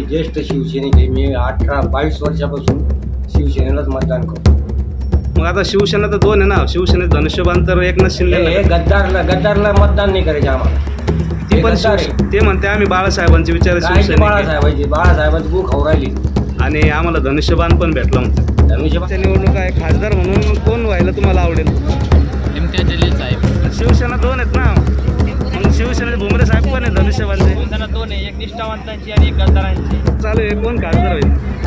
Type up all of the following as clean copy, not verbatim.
मी ज्येष्ठ शिवसैनिक. मी 22 वर्षापासून शिवसेनेलाच मतदान करतो. मग आता शिवसेना तर दोन आहे ना, शिवसेनेत धनुष्यबाण तर एकनाथ शिंदे. हे गद्दारला मतदान नाही करायचे आम्हाला. ते पण ते म्हणते आम्ही बाळासाहेबांचे विचार बाळासाहेबांची भूक खाऊ राहिली आणि आम्हाला धनुष्यबाण पण भेटला म्हणते. धनुष्यबाण निवडणूक आहे, खासदार म्हणून कोण व्हायला तुम्हाला आवडेल? इम्तियाज जलील साहेब. शिवसेना दोन आहेत ना, मग शिवसेनेचे भुमरे साहेब पण आहे धनुष्यबाणचे. शिवसेना दोन आहे, एक निष्ठावंतांची आणि एक गद्दारांची. चालू आहे, कोण खासदार होईल?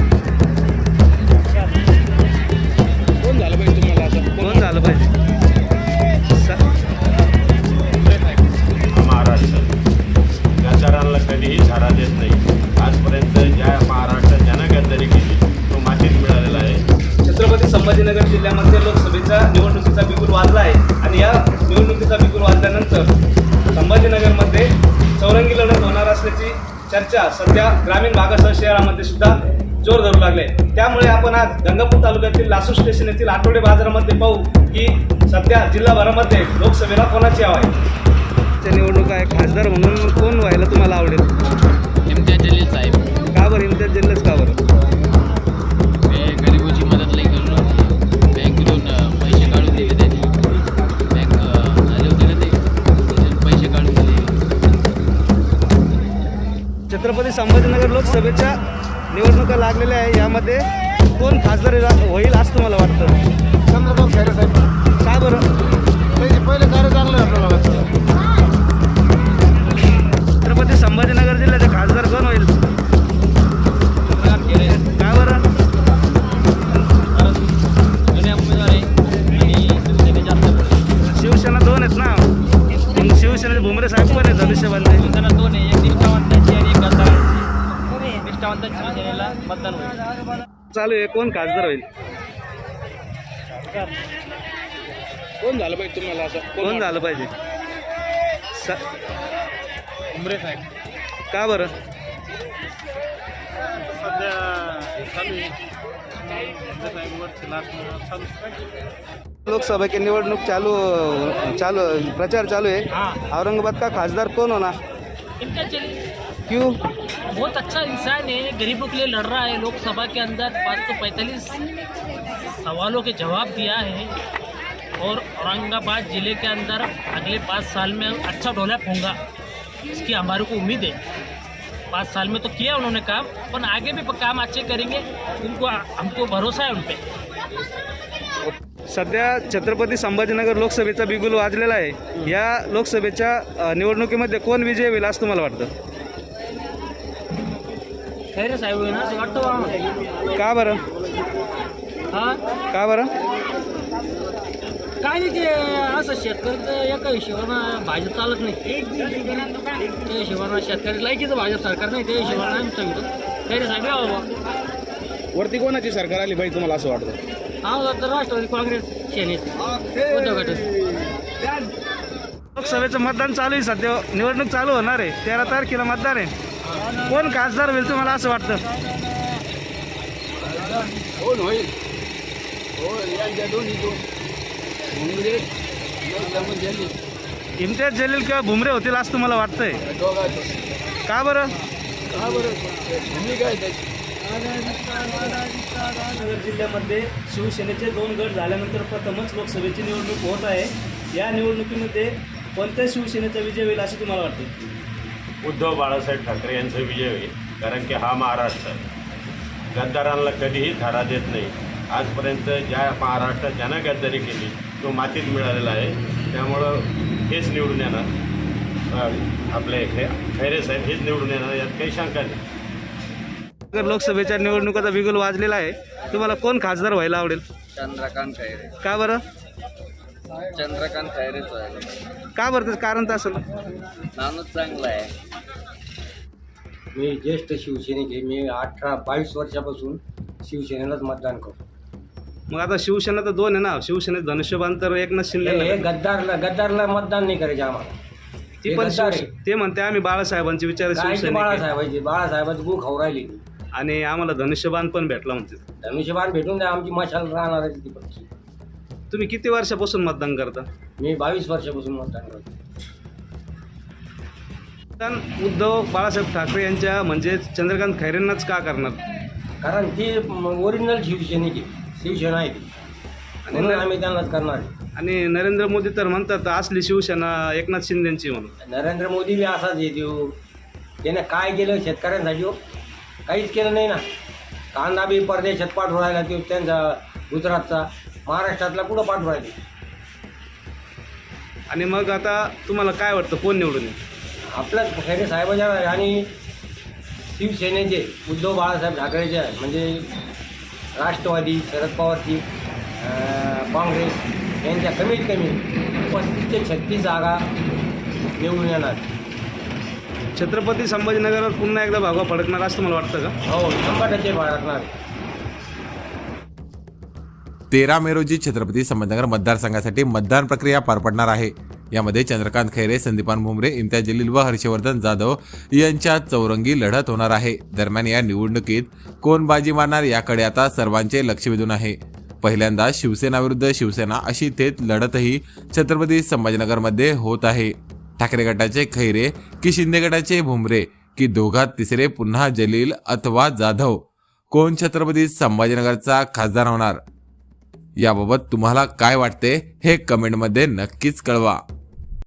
कोण झालं पाहिजे तुम्हाला आता? कोण झालं पाहिजे? महाराष्ट्र गद्दारांना कधीही धारा देत नाही. आजपर्यंत ज्या महाराष्ट्रात ज्यानं गद्दारी केली तो मातीत मिळालेला आहे. छत्रपती संभाजीनगर जिल्ह्यामध्ये लोकसभेच्या निवडणुकीचा बिगुल वाजला आहे आणि या निवडणुकीचा बिगुल वाजल्यानंतर संभाजीनगरमध्ये चौरंगी लढत होणार असल्याची चर्चा सध्या ग्रामीण भागासह शहरामध्ये सुद्धा जोर धरू लागले. त्यामुळे आपण आज गंगापूर तालुक्यातील लासूर स्टेशन येथील आठवडे बाजारामध्ये पाहू की सध्या जिल्हाभरामध्ये लोकसभेला कोणाची हवा आहे. त्या निवडणूक आहे, खासदार म्हणून कोण व्हायला तुम्हाला आवडेल? इम्तियाज जलील साहेब. का बरं इम्तियाज जलीलच का बरं? मी गरिबीची मदत लई करलो. बँकेतून पैसे काढून दिले त्यांनी. बँक आले होते ना ते पैसे काढून दिले. छत्रपती संभाजीनगर लोकसभेच्या निवडणुका लागलेल्या आहे. यामध्ये कोण खासदार होईल असं तुम्हाला वाटतं? चंद्रकांत खैरे साहेब. का बरं? पहिले कार्य चांगलं आहे आपल्याला वाटतं. छत्रपती संभाजीनगर जिल्ह्याचे खासदार कोण होईल? का बरं? जुन्या उमेदवार आहे आणि शिवसेने जास्त पडले. शिवसेना दोन आहेत ना, मग शिवसेनेचे भुमरे साहेब पण आहे धनुष्यबाणचे. शिवसेना दोन आहे, एक निष्ठावंतांची आणि एक गद्दारांची. निष्ठावंतांची शिवसेनेला मतदान होईल. चालू आहे, कोण खासदार होईल? कोण झालं पाहिजे तुम्हाला असं? कोण झालं पाहिजे? उमरे साहेब. का बरं? सध्या चालू आहे. लोकसभा की निवडणूक चालू प्रचार चालू है. औरंगाबाद का खासदार कौन होना? इम्तियाज जलील क्यों? बहुत अच्छा इंसान है, गरीबों के लिए लड़ रहा है. लोकसभा के अंदर 545 सवालों के जवाब दिया है और औरंगाबाद ज़िले के अंदर अगले 5 साल में अच्छा डेवलप होगा, इसकी हमारे को उम्मीद है. 5 साल में तो किया उन्होंने काम, पर आगे भी काम अच्छे करेंगे. उनको हमको भरोसा है उन पर. सध्या छत्रपती संभाजीनगर लोकसभेचा बिगुल वाजलेला आहे. या लोकसभेच्या निवडणुकीमध्ये कोण विजय होईल असं तुम्हाला वाटतं? खैरे साहेब ना असं वाटतं बा आम्हाला. का बरं? हां का बरं? काय नाही, ते असं शेतकऱ्याचं एका हिशोबानं भाजप चालत नाही. त्या हिशोबानं शेतकरी लायकीचं भाजप सरकार नाही, त्या हिशोबानं आम्ही सांगतो खैरे साहेब या बाबा. वरती कोणाची सरकार आली पाहिजे तुम्हाला असं वाटतं? हा तर राष्ट्रवादी काँग्रेस सेनेच उद्धव गट. लोकसभेचं मतदान चालू आहे, सध्या निवडणूक चालू होणार आहे. 13 तारखेला मतदान आहे. कोण खासदार होईल तुम्हाला असं वाटतं? कोण होईल? यांच्या दोन्ही इम्तियाज जलील किंवा भुमरे होतील असं तुम्हाला वाटतंय? का बरं? नगर जिल्ह्यामध्ये शिवसेनेचे 2 गट झाल्यानंतर प्रथमच लोकसभेची निवडणूक होत आहे. या निवडणुकीमध्ये कोणत्या शिवसेनेचा विजय होईल असं तुम्हाला वाटतं? उद्धव बाळासाहेब ठाकरे यांचा विजय होईल. कारण की हा महाराष्ट्र गद्दारांना कधीही धारा देत नाही. आजपर्यंत ज्या महाराष्ट्रात ज्यानं गद्दारी केली तो मातीत मिळालेला आहे. त्यामुळं हेच निवडून येणार. आपले खैरे साहेब हेच निवडून येणार, यात काही शंका नाही. लोकसभेच्या निवडणुकीचा बिगुल वाजलेला आहे. तुम्हाला कोण खासदार व्हायला आवडेल? चंद्रकांत खैरे. का बरं? चंद्रकांत खैरेच का बरं? त्याचं कारण तर असेल. नानच चांगला आहे. मी ज्येष्ठ शिवसैनिक. मी 22 वर्षापासून शिवसेनेलाच मतदान करतो. मग आता शिवसेना तर दोन आहे ना, शिवसेनेत धनुष्यबाण तर एकनाथ शिंदे. हे गद्दारला मतदान नाही करायचे आम्हाला. ती पण ते म्हणते आम्ही बाळासाहेबांचे विचार बाळासाहेबांची भूक खाऊ राहिली आणि आम्हाला धनुष्यबाण पण भेटला म्हणते. धनुष्यबाण भेटून द्या, आमची मशाल राहणार आहे ती पक्षी. तुम्ही किती वर्षापासून मतदान करता? मी 22 वर्षापासून मतदान करतो. उद्धव बाळासाहेब ठाकरे यांच्या म्हणजे चंद्रकांत खैरेंनाच का करणार? कारण ती ओरिजिनल शिवसेनेची शिवसेना आहे ती, म्हणून आम्ही त्यांनाच करणार आहे. आणि नरेंद्र मोदी तर म्हणतात असली शिवसेना एकनाथ शिंदेची म्हणून. नरेंद्र मोदी बी असाच येतो. त्याने काय केलं शेतकऱ्यांसाठी? काहीच केलं नाही ना. कांदा बी परदेशात पाठवून राहिला तो त्यांचा गुजरातचा, महाराष्ट्रातला कुठं पाठवून राहिले. आणि मग आता तुम्हाला काय वाटतं कोण निवडून येईल? आपल्याच खैरे साहेबाच्या आणि शिवसेनेचे उद्धव बाळासाहेब ठाकरेचे म्हणजे राष्ट्रवादी शरद पवारची काँग्रेस यांच्या कमीत कमी 35 ते 36 जागा निवडून येणार. छत्रपती संभाजीनगरवर पुन्हा एकदा भागवा फडकणार असं मला वाटतं का? हो, 100% बाळगणार. 13 मे रोजी छत्रपती संभाजीनगर मतदारसंघासाठी मतदान प्रक्रिया पार पडणार आहे. यामध्ये चंद्रकांत खैरे, संदीपान भुमरे, इम्तियाज जलील व हर्षवर्धन जाधव यांच्यात चौरंगी लढत होणार आहे. दरम्यान या निवडणुकीत कोण बाजी मारणार याकडे आता सर्वांचे लक्ष वेधून आहे. पहिल्यांदा शिवसेना विरुद्ध शिवसेना अशी थेट लढतही छत्रपती संभाजीनगरमध्ये होत आहे. ठाकरे गटाचे खैरे की शिंदे गटाचे भुमरे की दोघात तिसरे पुन्हा जलील अथवा जाधव, कोण छत्रपती संभाजीनगरचा खासदार होणार याबाबत तुम्हाला काय वाटते हे कमेंटमध्ये नक्कीच कळवा.